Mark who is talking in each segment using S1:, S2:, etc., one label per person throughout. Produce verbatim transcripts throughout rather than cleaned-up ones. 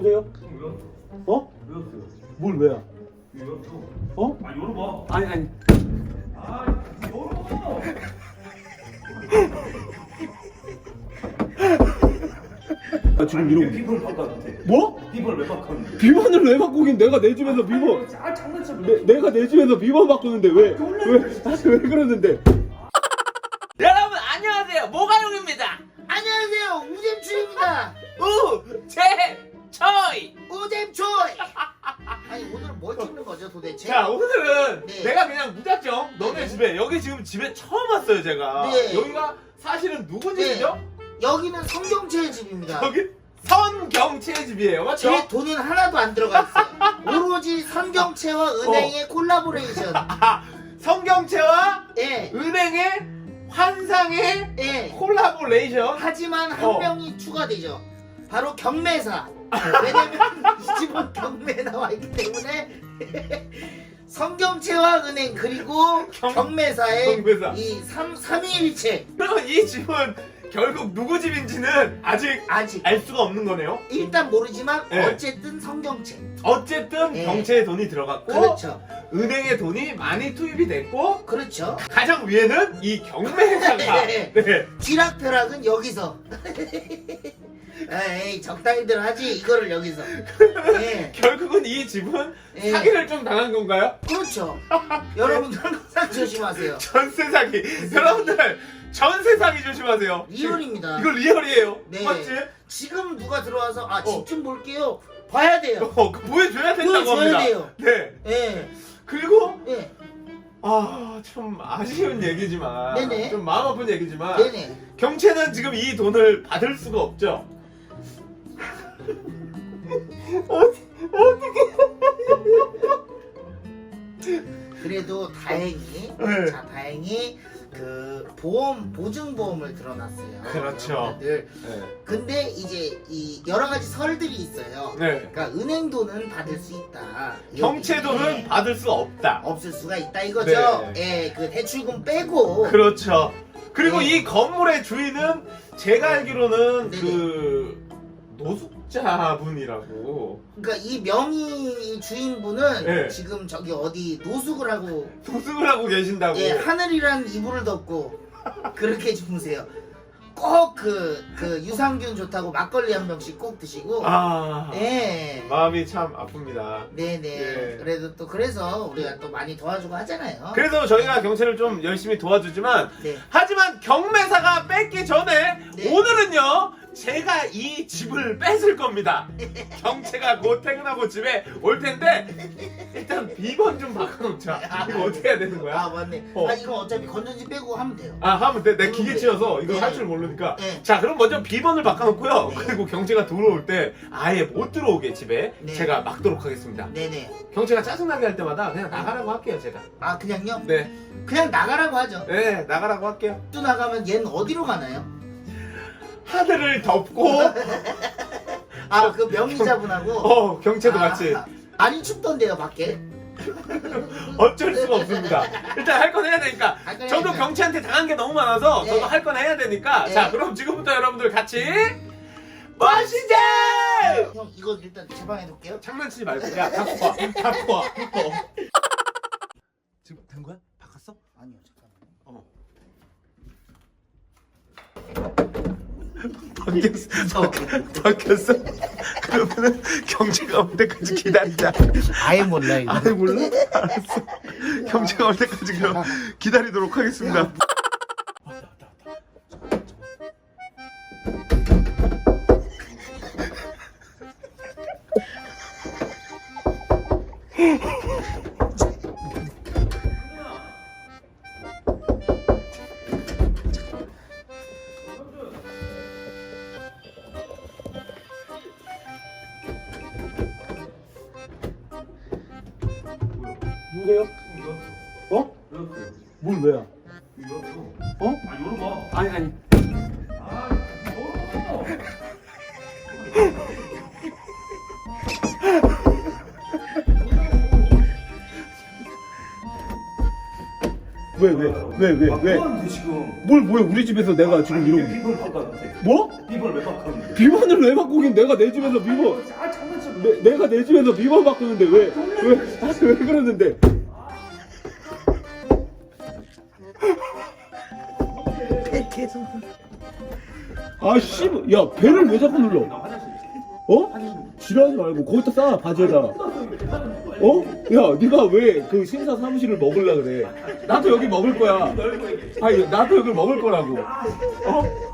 S1: 누구세요? 어?
S2: 왜였어요?
S1: 뭘 왜야?
S2: 왜였어?
S1: 어?
S2: 아 열어봐.
S1: 아니 아니.
S2: 아 열어.
S1: 나 지금 이러고.
S2: 비번을 바꿨는데.
S1: 뭐?
S2: 비번을 왜 바꿨는데?
S1: 비번을 왜 바꾸긴? 내가 내 집에서 비번.
S2: 아 장난쳐.
S1: 내, 내가 내 집에서 비번 바꾸는데 왜? 왜? 아니 왜 그러는데?
S3: 여러분 안녕하세요, 모가용입니다.
S4: 안녕하세요, 우잼추입니다.
S3: 우제초이.
S4: 우잼초이. 아니 오늘은 뭘 찍는 거죠 도대체?
S3: 자, 오늘은
S4: 네.
S3: 내가 그냥 무작정 너네
S4: 네.
S3: 집에, 여기 지금 집에 처음 왔어요 제가.
S4: 네.
S3: 여기가 사실은 누구
S4: 네.
S3: 집이죠?
S4: 여기는 성경채의 집입니다.
S3: 여기 선경채의 집이에요, 맞죠?
S4: 제 돈은 하나도 안 들어가 있어요. 오로지 성경채와 은행의 콜라보레이션.
S3: 성경채와
S4: 예,
S3: 은행의 환상의
S4: 예.
S3: 콜라보레이션.
S4: 하지만 한
S3: 어.
S4: 명이 추가되죠. 바로 경매사. 왜냐면 이 집은 경매에 나와 있기 때문에 성경채와 은행 그리고
S3: 경-
S4: 경매사의
S3: 경매사.
S4: 이 삼, 삼위일체
S3: 그러면 이 집은 결국 누구 집인지는 아직
S4: 아직
S3: 알 수가 없는 거네요.
S4: 일단 모르지만
S3: 네.
S4: 어쨌든 성경채.
S3: 어쨌든
S4: 네.
S3: 경채에 돈이 들어갔고
S4: 그렇죠.
S3: 은행에 돈이 많이 투입이 됐고
S4: 그렇죠.
S3: 가장 위에는 이 경매사가
S4: 네.
S3: 네.
S4: 쥐락펴락은 여기서. 에이 적당히들 하지 이거를 여기서. 예.
S3: 결국은 이 집은
S4: 예.
S3: 사기를 좀 당한 건가요?
S4: 그렇죠. 여러분들 항상 조심하세요.
S3: 전세 사기. 여러분들 전세 사기 조심하세요.
S4: 리얼입니다.
S3: 이거 리얼이에요.
S4: 네.
S3: 맞지?
S4: 지금 누가 들어와서 아
S3: 어.
S4: 집 좀 볼게요. 봐야 돼요.
S3: 어, 그 보여줘야 된다고
S4: 보여줘야
S3: 합니다.
S4: 돼요.
S3: 네.
S4: 예.
S3: 그리고
S4: 예.
S3: 아, 좀 아쉬운 얘기지만
S4: 네네.
S3: 좀 마음 아픈 얘기지만
S4: 네네.
S3: 경채는 지금 이 돈을 받을 수가 없죠.
S4: 그래도 다행히
S3: 네.
S4: 자 다행히 그 보험 보증보험을 들어놨어요.
S3: 그렇죠.
S4: 여러분들.
S3: 네.
S4: 근데 이제 이 여러 가지 설들이 있어요.
S3: 네.
S4: 그러니까 은행 돈은 받을 수 있다.
S3: 경채 돈은
S4: 여기에
S3: 받을 수 없다.
S4: 없을 수가 있다 이거죠.
S3: 네.
S4: 예, 그 대출금 빼고.
S3: 그렇죠. 그리고
S4: 네.
S3: 이 건물의 주인은 제가 알기로는
S4: 네네.
S3: 그 노숙자분이라고
S4: 그러니까 이 명의 주인분은
S3: 네.
S4: 지금 저기 어디 노숙을 하고
S3: 노숙을 하고 계신다고.
S4: 예, 하늘이란 이불을 덮고 그렇게 주무세요. 꼭 그 그 유산균 좋다고 막걸리 한 병씩 꼭 드시고.
S3: 아,
S4: 예.
S3: 마음이 참 아픕니다.
S4: 네네.
S3: 네.
S4: 그래도 또 그래서 우리가 또 많이 도와주고 하잖아요.
S3: 그래서 저희가 경찰을 좀 열심히 도와주지만
S4: 네.
S3: 하지만 경매사가 뺏기 전에
S4: 네.
S3: 오늘은요 제가 이 집을 뺏을 겁니다. 경채가 곧 퇴근하고 집에 올 텐데 일단 비번 좀 바꿔놓자. 이거 어떻게 해야 되는
S4: 아
S3: 거야?
S4: 맞네.
S3: 어.
S4: 아 이거 어차피 건전지 빼고 하면 돼요.
S3: 아 하면 돼. 내 기계 치여서 이거
S4: 네.
S3: 할 줄 모르니까.
S4: 네.
S3: 자 그럼 먼저 비번을 바꿔놓고요.
S4: 네.
S3: 그리고 경채가 들어올 때 아예 못 들어오게 집에
S4: 네.
S3: 제가 막도록 하겠습니다.
S4: 네네.
S3: 경채가 짜증나게 할 때마다 그냥 나가라고 할게요 제가.
S4: 아 그냥요?
S3: 네,
S4: 그냥 나가라고 하죠.
S3: 네 나가라고 할게요.
S4: 또 나가면 얘는 어디로 가나요?
S3: 하늘을 덮고
S4: 아 그 명의자분하고.
S3: 어 경채도
S4: 아,
S3: 같이
S4: 많이 춥던데요 밖에.
S3: 어쩔 수가 없습니다. 일단 할 건 해야 되니까.
S4: 할건
S3: 저도
S4: 해야죠.
S3: 경채한테 당한 게 너무 많아서
S4: 네.
S3: 저도 할 건 해야 되니까.
S4: 네.
S3: 자 그럼 지금부터 여러분들 같이 멋있게
S4: 형 이거 일단 제 방에 놓을게요.
S3: 장난치지 말고 야 갖고 와 갖고 와 어. 지금 된 거야? 바꿨어?
S4: 아니요 잠깐만.
S3: 어 바뀌었어 바뀌었어 그러면은 경채가 올 때까지 기다리자.
S4: 아예 몰라 이거.
S3: 아니 몰라? 알았어. 경채가 올 때까지 그럼 기다리도록 하겠습니다.
S1: 누구세요? 어?
S2: 왜였어요?
S1: 뭘 왜야?
S2: 왜였어?
S1: 어?
S2: 아 열어봐.
S1: 아니 아니.
S2: 아 열어.
S1: 왜 왜 왜 왜
S2: 아,
S1: 왜?
S2: 뭐하는데 지금?
S1: 뭘 뭐야 우리 집에서 내가 지금
S2: 아니,
S1: 이러고
S2: 비번을 바꿨는데.
S1: 뭐?
S2: 비번을 왜 바꿨는데?
S1: 비번을 왜 바꾸긴 내가 내 집에서 비번
S2: 아 장난쳐.
S1: 내, 내가 내 집에서 비번 바꾸는데 왜 왜 왜 그러는데
S4: 계속
S1: 아씨 야 배를 왜 자꾸 눌러
S2: 나 화장실.
S1: 어? 지랄하지 말고 거기다 싸 바지에다 어? 야 네가 왜 그 신사 사무실을 먹으려 그래 나도 여기 먹을 거야 아니 나도 여기 먹을 거라고 어?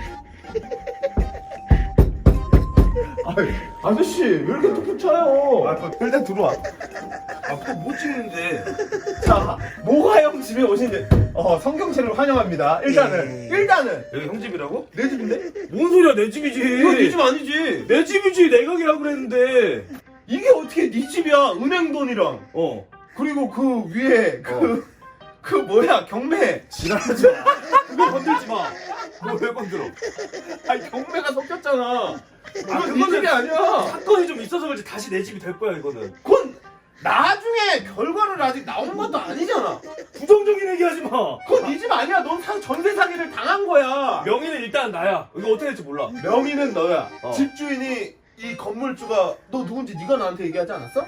S1: 아이, 아저씨 왜 이렇게 툭툭 쳐요
S2: 아,
S1: 일단 들어와
S2: 아뭐 찍는데?
S1: 자 모가형 집에 오신 어, 성경체를 환영합니다 일단은 일단은
S2: 여기 형 집이라고?
S1: 내 집인데?
S2: 뭔 소리야 내 집이지.
S1: 이거 네 집 아니지
S2: 내 집이지 내각이라고 그랬는데.
S1: 이게 어떻게 네 집이야 은행 돈이랑
S2: 어.
S1: 그리고 그 위에 그, 그 뭐야 경매
S2: 지랄하지 마. 그거 건들지 마. 너 왜 건들어?
S1: 아니 경매가 섞였잖아
S2: 아,
S1: 그건 네
S2: 그거는
S1: 집이 아니야
S2: 사건이 좀 있어서 그렇지 다시 내 집이 될 거야 이거는.
S1: 그건 나중에 결과를 아직 나온 것도 아니잖아
S2: 부정적인 얘기하지 마.
S1: 그건 네 집 아니야 넌 사, 전세 사기를 당한 거야
S2: 명의는 일단 나야. 이거 어떻게 될지 몰라.
S1: 명의는 너야
S2: 어.
S1: 집주인이 이 건물주가 너 누군지 네가 나한테 얘기하지 않았어?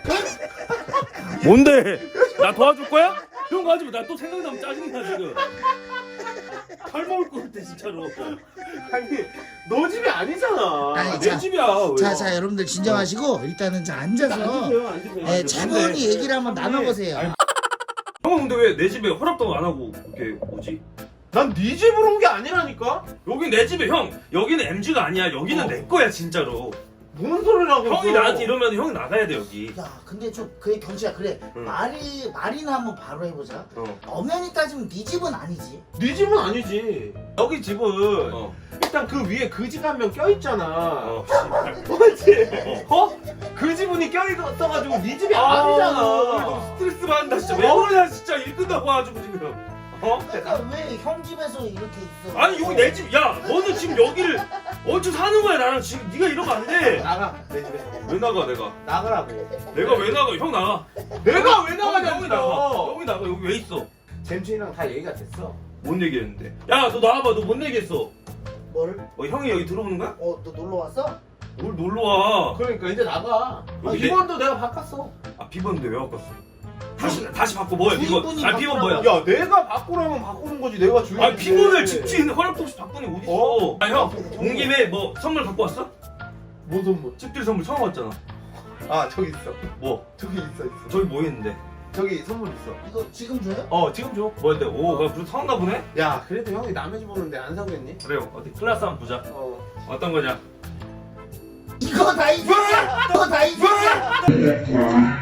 S2: 뭔데? 나 도와줄 거야? 그런 거 하지 마. 나 또 생각나면 짜증나 지금. 발 먹을 것 같아 진짜로.
S1: 아니 너 집이 아니잖아
S4: 아니,
S2: 내
S4: 자,
S2: 집이야. 왜?
S4: 자, 자, 여러분들 진정하시고 일단은 자 앉아서
S1: 앉으세요 앉으세요
S4: 예, 차분히 얘기를 한번 나눠보세요.
S2: 아니, 형은 근데 왜 내 집에 허락도 안 하고 이렇게 오지?
S1: 난 네 집으로 온 게 아니라니까
S2: 여기 내 집에 형. 여기는 엠지가 아니야. 여기는
S1: 어.
S2: 내 거야 진짜로.
S1: 뭔 소리라고
S2: 형이
S1: 너.
S2: 나한테 이러면 형이 나가야 돼 여기.
S4: 야, 근데 좀 그래 경치야 그래
S2: 응.
S4: 말이 말이나 한번 바로 해보자.
S2: 어.
S4: 엄연히 따지면 네 집은 아니지.
S1: 네 집은 아니지 여기 집은
S2: 어.
S1: 일단 그 위에 그 집 한 명 껴있잖아
S2: 어.
S1: 맞지? 어? 그 지분이 껴있어가지고 네 집이
S2: 아, 오늘
S1: 아니잖아
S2: 너무 스트레스 받는다 진짜. 왜 그러냐 진짜 일 끝나고 와가지고 지금. 어?
S4: 그러니까 왜 형 집에서 이렇게 있어?
S2: 아니 여기 내 집. 야 너는 지금 여기를 어디서 사는 거야 나랑 지금. 네가 이러면 안 돼.
S1: 나가 내 집에서
S2: 왜 나가 내가?
S1: 나가라고
S2: 내가 왜 나가? 형 나가.
S1: 내가 왜
S2: 형이
S1: 나가냐고
S2: 나가. 형이 나가. 여기 왜 있어?
S1: 잼춘이랑 다 얘기가 됐어
S2: 뭔 얘기했는데? 야 너 나와봐. 너 뭔 얘기했어?
S4: 뭐를?
S2: 어 형이 여기 들어오는 거야?
S4: 어, 너 놀러 왔어?
S2: 뭘 놀러 와?
S1: 그러니까 이제 나가 아,
S2: 여기 내-
S1: 비번도 내가 바꿨어
S2: 아 비번인데 왜 바꿨어? 다시 다시 바꿔 뭐야 비번?
S4: 주인분이
S2: 아 비번 뭐야?
S1: 야 내가 바꾸라면 바꾸는 거지 내가 주인
S2: 아 비번을 집주인 허락도 없이 바꾸니 어디 있어?
S1: 어?
S2: 아형온 김에 뭐 선물 갖고 왔어?
S1: 뭔 선물
S2: 집들 선물 처음 왔잖아.
S1: 아 저기 있어
S2: 뭐?
S1: 저기 있어 있어
S2: 저기 뭐 했는데?
S1: 저기 선물 있어
S4: 이거 지금 줘요?
S1: 어 지금 줘
S2: 뭐였대? 오, 나 그래도 사온가 보네?
S1: 야 그래도 형이 남의 집 오는데 안 사겠니?
S2: 그래요. 어디 클래스 한번 보자.
S1: 어
S2: 어떤 거냐?
S4: 이거 다 이거야. 이거 다 이거야.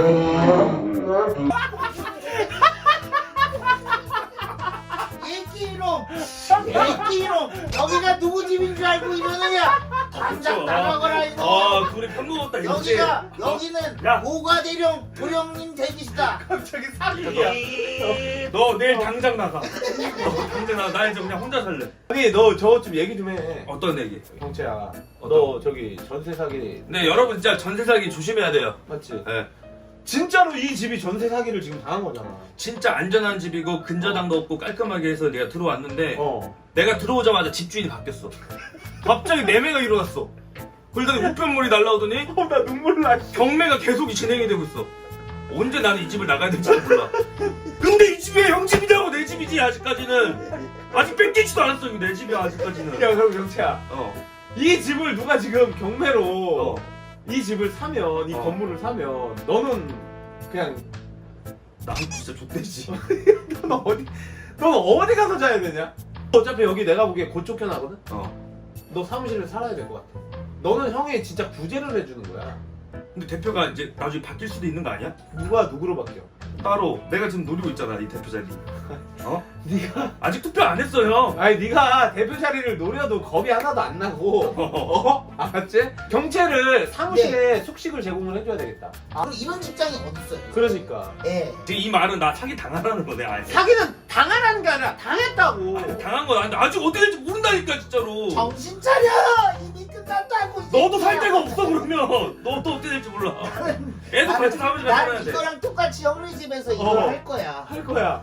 S4: 애기롱, 애기롱. 여기가 누구 집인 줄 알고 이러느냐? 당장 나가거라 이거.
S2: 아, 둘이 편먹었다 이거지.
S4: 여기가 여기는
S2: 야.
S4: 모가대령 도령님 댁이시다.
S1: 갑자기 사기야
S2: 너 내일 당장 나가. 너 당장 나가. 나 이제 그냥 혼자 살래.
S1: 아니 너 저 좀 얘기 좀해
S2: 어떤 얘기?
S1: 경채야
S2: 어떤
S1: 너 저기 전세 사기
S2: 네, 여러분 진짜 전세 사기 조심해야 돼요.
S1: 맞지?
S2: 네.
S1: 진짜로 이 집이 전세 사기를 지금 당한 거잖아
S2: 진짜 안전한 집이고 근저당도 없고 깔끔하게 해서 내가 들어왔는데
S1: 어
S2: 내가 들어오자마자 집주인이 바뀌었어. 갑자기 매매가 일어났어. 그러더니 우편물이 날라오더니
S1: 어, 나 눈물 나
S2: 경매가 계속 진행이 되고 있어. 언제 나는 이 집을 나가야 될지 몰라. 근데 이 집이 형 집이냐고 내 집이지 아직까지는. 아직 뺏기지도 않았어 이거 내 집이야 아직까지는.
S1: 야 그럼 경채야
S2: 어.
S1: 이 집을 누가 지금 경매로
S2: 어.
S1: 이 집을 사면 이
S2: 어.
S1: 건물을 사면 너는 그냥
S2: 난 진짜 족대지.
S1: 넌 어디 넌 어디 가서 자야 되냐? 어차피 여기 내가 보기에 곧 쫓겨나거든?
S2: 어.
S1: 너 사무실에 살아야 될 것 같아 너는 형이 진짜 구제를 해주는 거야
S2: 근데 대표가 이제 나중에 바뀔 수도 있는 거 아니야?
S1: 누가 누구로 바뀌어?
S2: 따로 내가 지금 노리고 있잖아 이 대표 자리. 어?
S1: 네가
S2: 아직 투표 안 했어 형.
S1: 아니 네가 대표 자리를 노려도 겁이 하나도 안 나고 어? 알았지? 경찰을 사무실에 숙식을 제공을 해줘야 되겠다
S4: 아, 그럼 이런 직장이 어딨어요?
S1: 그러니까
S4: 예.
S2: 지금 이 말은 나 사기 당하라는 거네 아예.
S1: 사기는 당하라는 게 아니라 당했다고
S2: 아니, 당한 건 아닌데 아직 어떻게 될지 모른다니까 진짜로.
S4: 정신 차려. 이미 끝났다고. 이
S2: 너도 살
S4: 새끼야.
S2: 데가 없어 그러면. 너 또 어떻게 될지 몰라. 애도
S4: 나는-
S2: 같이 사무실
S4: 난
S2: 살아야 돼.
S4: 이거랑 똑같이 형네 집에서 이걸
S1: 어.
S4: 할 거야.
S1: 할 거야
S4: 어.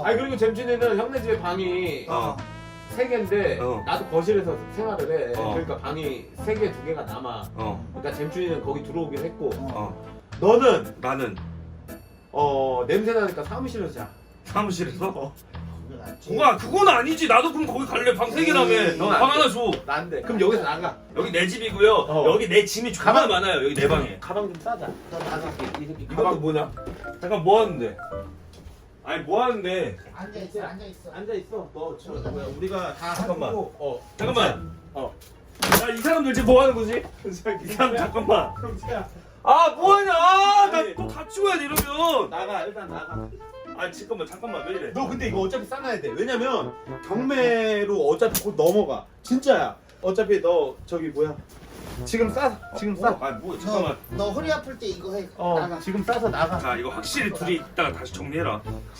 S3: 아니 그리고 잼준이는 형네 집에 방이
S2: 어.
S3: 세 개인데
S2: 어.
S3: 나도 거실에서 생활을 해.
S2: 어.
S3: 그러니까 방이 세 개, 두 개가 남아.
S2: 어.
S3: 그러니까 잼준이는 거기 들어오긴 했고
S2: 어.
S3: 너는
S2: 나는
S3: 어 냄새 나니까 사무실에서 자.
S2: 사무실에서.
S3: 어.
S4: 그건 안 돼.
S2: 그거 그건 아니지. 나도 그럼 거기 갈래. 방 세 개라며.
S4: 에이,
S3: 넌
S2: 방
S3: 안
S2: 하나 줘.
S3: 난데. 그럼 여기서 나가.
S2: 여기 내 집이고요.
S3: 어.
S2: 여기 내 짐이 존나
S3: 가방-
S2: 많아요. 여기 내 방에.
S3: 가방 좀 싸자.
S4: 너 나가.
S3: 이 새끼
S2: 이것도
S3: 가방
S2: 뭐냐? 잠깐 뭐 하는데? 아니 뭐 하는데?
S4: 앉아 있어, 앉아 있어.
S3: 앉아 있어. 너 저,
S4: 우리가-
S3: 뭐야 우리가 다
S2: 잠깐만.
S3: 하고, 어.
S2: 잠깐만.
S3: 어.
S2: 야, 이 사람들 지금 뭐 하는 거지? 이 사람 잠깐만.
S3: 형제야.
S2: 아, 뭐 하냐? 아,
S3: 아니.
S2: 나또 같이 와야 돼 이러면.
S3: 나가 일단 나가.
S2: 아, 잠깐만, 잠깐만 왜 이래?
S3: 너 근데 이거 어차피 싸놔야 돼. 왜냐면 경매로 어차피 곧 넘어가. 진짜야. 어차피 너 저기 뭐야? 지금 싸. 지금 싸.
S2: 아, 뭐
S4: 너,
S2: 잠깐만.
S4: 너 허리 아플 때 이거 해.
S3: 어.
S4: 나가.
S3: 지금 싸서 나가.
S2: 자, 이거 확실히 둘이 이따가 다시 정리해라.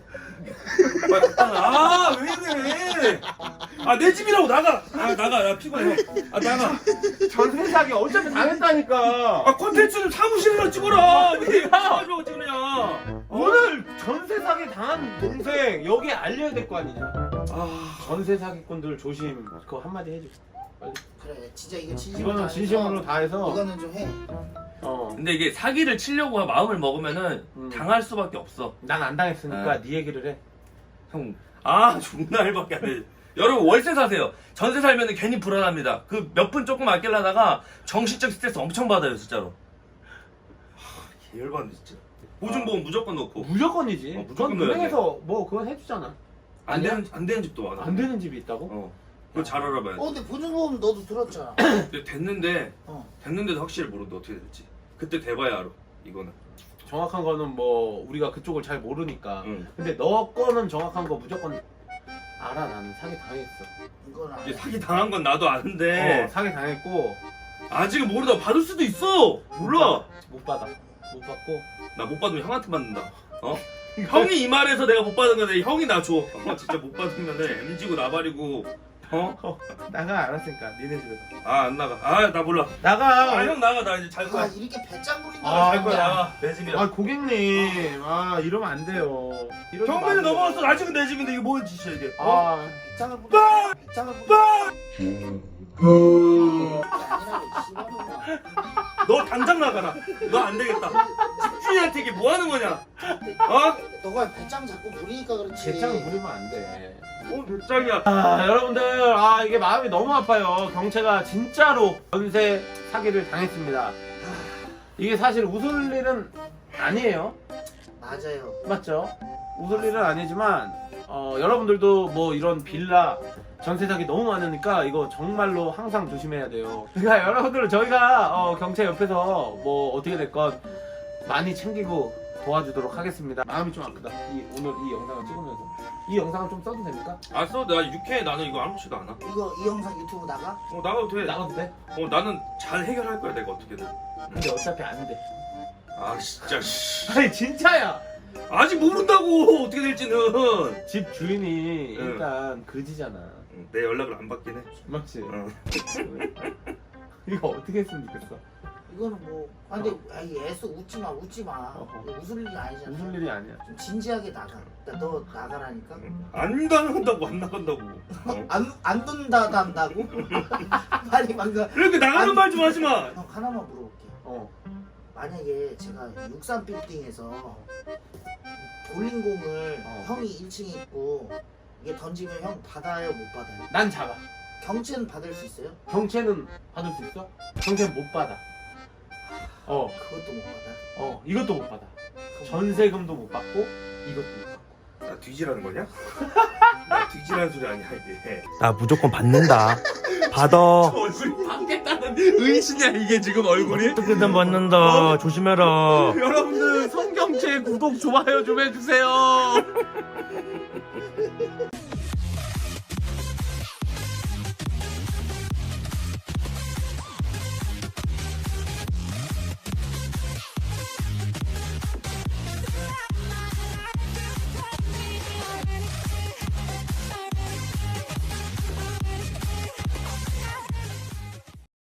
S2: 아, 왜 이래? 아, 내 집이라고 나가. 아, 나가. 나 피곤해. 아, 나가.
S3: 전세 사기 어차피 당했다니까.
S2: 아, 콘텐츠는 사무실에서 찍어라. 왜 내가 가지고 찍느냐?
S3: 오늘 전세 사기 당한 동생 여기 알려야 될 거 아니냐.
S2: 아,
S3: 전세 사기꾼들 조심. 그거 한마디 해줘. 빨리.
S4: 그래, 진짜 이거 진심으로
S3: 이거는
S4: 다 해서
S3: 진심으로 다 해서.
S4: 이거는 좀 해.
S3: 어.
S2: 근데 이게 사기를 치려고 마음을 먹으면은
S3: 음.
S2: 당할 수밖에 없어.
S3: 난 안 당했으니까
S2: 아.
S3: 네 얘기를 해.
S2: 형, 아, 존나 일밖에 안 돼. 여러분, 월세 사세요. 전세 살면은 괜히 불안합니다. 그 몇 분 조금 아끼려다가 정신적 스트레스 엄청 받아요, 진짜로. 하, 열받네, 진짜. 보증보험 무조건 넣고.
S3: 무조건이지.
S2: 어, 무조건
S3: 그건
S2: 넣어야
S3: 은행에서 뭐 그건 해주잖아.
S2: 안 되는, 안 되는 집도 많아.
S3: 안 되는 집이 있다고?
S2: 어. 그거 잘 알아봐야 돼.
S4: 어, 근데 보증보험 너도 들었잖아.
S2: 근데 됐는데,
S4: 어.
S2: 됐는데도 확실히 모르는데 어떻게 될지. 그때 돼봐야 알아, 이거는.
S3: 정확한 거는 뭐 우리가 그쪽을 잘 모르니까.
S2: 응.
S3: 근데 너 거는 정확한 거 무조건 알아. 나는 사기 당했어.
S4: 이건 안
S2: 이게
S4: 해.
S2: 사기 당한 건 나도 아는데,
S3: 어, 사기 당했고
S2: 아직은 모르다 받을 수도 있어! 몰라!
S3: 못 받아. 못 받고.
S2: 나 못 받으면 형한테 받는다. 어? 형이 이 말해서 내가 못 받은 건데 형이 나 줘. 어, 진짜 못 받으면은 엠지고 나발이고. 어?
S3: 어, 나가 알았으니까 니네 집에서.
S2: 아 안 나가. 아 나 몰라.
S3: 나가.
S2: 아 형 나가. 나 이제 잘
S4: 아,
S2: 거야.
S4: 이렇게 배짱 부린다.
S3: 아,
S2: 잘 거야 나가. 내 집이야.
S3: 아 고객님, 아 이러면 안 돼요. 이러지
S2: 경매는
S3: 마세요.
S2: 넘어갔어. 아직은 내 집인데 이게 뭔 짓이야 이게. 어?
S3: 아,
S4: 배짱을 부린다. 배짱을 부린다.
S2: 너 당장 나가라. 너 안 되겠다. 집주인한테 이게 뭐 하는 거냐? 어?
S4: 너가 배짱 자꾸 부리니까 그렇지.
S3: 배짱을 부리면 안 돼.
S2: 뭐 배짱이야.
S3: 아, 여러분들, 아 이게 마음이 너무 아파요. 경채가 진짜로 전세 사기를 당했습니다. 이게 사실 웃을 일은 아니에요.
S4: 맞아요.
S3: 맞죠? 웃을 일은 아니지만 어, 여러분들도 뭐 이런 빌라 전세 사기 너무 많으니까 이거 정말로 항상 조심해야 돼요. 그러니까 여러분들 저희가 어, 경찰 옆에서 뭐 어떻게 됐건 많이 챙기고 도와주도록 하겠습니다. 마음이 좀 아프다. 이, 오늘 이 영상을 찍으면서 이 영상을 좀 써도 됩니까?
S2: 알았어. 나 육회 나는 이거 아무렇지도 않아.
S4: 이거 이 영상 유튜브 나가?
S2: 어 나가도 돼.
S3: 나가도 돼?
S2: 어 나는 잘 해결할 거야 내가 어떻게든.
S3: 근데 어차피 안 돼.
S2: 아 진짜. 씨.
S3: 아니 진짜야.
S2: 아직 모른다고 어떻게 될지는.
S3: 집 주인이
S2: 응.
S3: 일단 그지잖아.
S2: 내 연락을 안 받긴 해.
S3: 맞지?
S2: 어.
S3: 이거 어떻게 했으면 좋겠어?
S4: 이거는 뭐. 아, 근데 아이 애써 웃지 마, 웃지 마.
S3: 어허.
S4: 이거 웃을 일이 아니잖아.
S3: 무슨 일이 아니야.
S4: 좀 진지하게 나가. 야, 너 나가라니까.
S2: 안 나간다고 안 나간다고. 어?
S4: 안, 안 둔다 한다고? 빨리 방금.
S2: 이렇게 나가는
S4: 안-
S2: 말 좀 하지 마.
S4: 형 하나만 물어볼게.
S3: 어.
S4: 만약에 제가 육삼 빌딩에서 볼링공을
S3: 어.
S4: 형이 일 층에 있고 이게 던지면 형 받아요, 못 받아요?
S3: 난 잡아.
S4: 경치는 받을 수 있어요?
S3: 경채는 받을 수 있어? 경채는 못 받아. 어,
S4: 그것도 못 받아.
S3: 어, 이것도 못 받아. 전세금도 못 받고 이것도 못 받고.
S2: 나 뒤지라는 거냐? 나 뒤지라는 소리 아니야 이게.
S5: 나 무조건 받는다. 받아.
S3: 얼굴이 받겠다는 의심이야 이게 지금 얼굴이?
S5: 어떻게든 받는다. 조심해라.
S3: 여러분들 성경채 구독 좋아요 좀 해주세요.